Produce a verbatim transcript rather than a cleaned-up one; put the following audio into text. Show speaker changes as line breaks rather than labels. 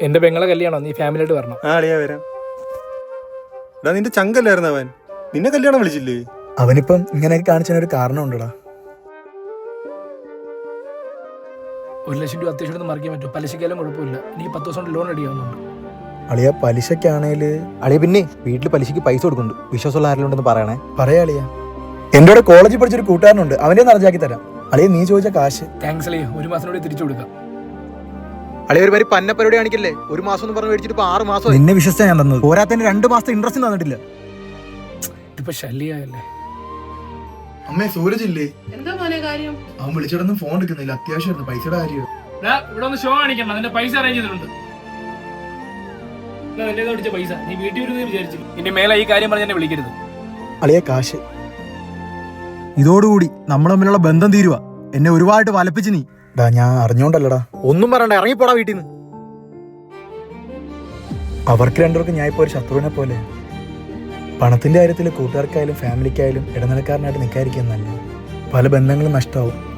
എന്റെ പെങ്ങളെ കല്യാണം, നീ ഫാമിലിയായിട്ട് വരണം.
ആ അളിയാ വരാം. എടാ നിന്റെ ചങ്കല്ലായിരുന്നു അവൻ, നിന്നെ കല്യാണം വിളിച്ചില്ലേ?
അവനിപ്പം ഇങ്ങനെയൊക്കെ കാണിച്ചതിനൊരു കാരണം ഉണ്ടടാ.
ഒരു ലക്ഷം രൂപ അത്യാവശ്യം മറിക്കാൻ പറ്റും, പലിശക്കാലും കുഴപ്പമില്ല. എനിക്ക് പത്ത് ദിവസം കൊണ്ട് ലോൺ അടിയാവുന്നുണ്ട്.
അളിയ പലിശക്കാണേല്
അളിയ പിന്നെ വീട്ടിൽ പലിശക്ക് പൈസ കൊടുക്കുന്നുണ്ട്, വിശ്വാസമുള്ള ആരെങ്കിലും ഉണ്ടെന്ന് പറയണേ.
പറയാ അളിയ, എന്റെ കൂടെ കോളേജിൽ പഠിച്ചൊരു കൂട്ടുകാരനുണ്ട്, അവന്റെ നിറച്ചാക്കി തരാം. അളിയ നീ ചോദിച്ച കാശ്
താങ്ക്സ് അളിയ, ഒരു മാസത്തിനോട് തിരിച്ചു കൊടുക്കാം.
അളിയ ഒരു മാതിരി പന്നപ്പരോടെ കാണിക്കല്ലേ, ഒരു മാസം എന്ന് പറഞ്ഞ് മേടിച്ചിട്ട് ഇപ്പൊ ആറ് മാസം.
നിന്നെ വിശ്വസിച്ചാ ഞാൻ തന്നത്, പോരാത്തന്നെ രണ്ടു മാസത്തെ ഇൻട്രസ്റ്റ് തന്നിട്ടില്ല.
ഇതിപ്പോ ശല്യല്ലേ.
അമ്മേ സൂരജ് ഇല്ലേ?
എന്താ മോനെ കാര്യം?
അവൻ വിളിച്ചിടൊന്നും ഫോൺ എടുക്കുന്നില്ല, അത്യാവശ്യമായിരുന്നു, പൈസയുടെ കാര്യം.
ഇവിടെ ഒന്ന് ഷോ കാണിക്കണം, അതിന്റെ പൈസ അറേഞ്ച് ചെയ്തിട്ടുണ്ട്. പൈസ നീ വീട്ടിൽ വരുന്നത് വിചാരിച്ചു. ഇനി മേലെ ഈ കാര്യം പറഞ്ഞ് എന്നെ വിളിക്കരുത്.
അളിയ കാശ്. ഇതോടുകൂടി നമ്മൾ തമ്മിലുള്ള ബന്ധം തീരുവാ. എന്നെ ഒരുപാട് വലപ്പിച്ച് നീ. ഡാ ഞാൻ അറിഞ്ഞോണ്ടല്ലടാ.
ഒന്നും പറയണ്ട, ഇറങ്ങിപ്പോടാ വീട്ടിൽ നിന്ന്.
അവർക്ക് രണ്ടുപേർക്കും ഞാൻ ഇപ്പോൾ ഒരു ശത്രുവിനെ പോലെ. പണത്തിന്റെ കാര്യത്തിൽ കൂട്ടുകാർക്കായാലും ഫാമിലിക്കായാലും ഇടനിലക്കാരനായിട്ട് നിൽക്കാതിരിക്കുന്നല്ല. പല ബന്ധങ്ങളും നഷ്ടമാവും.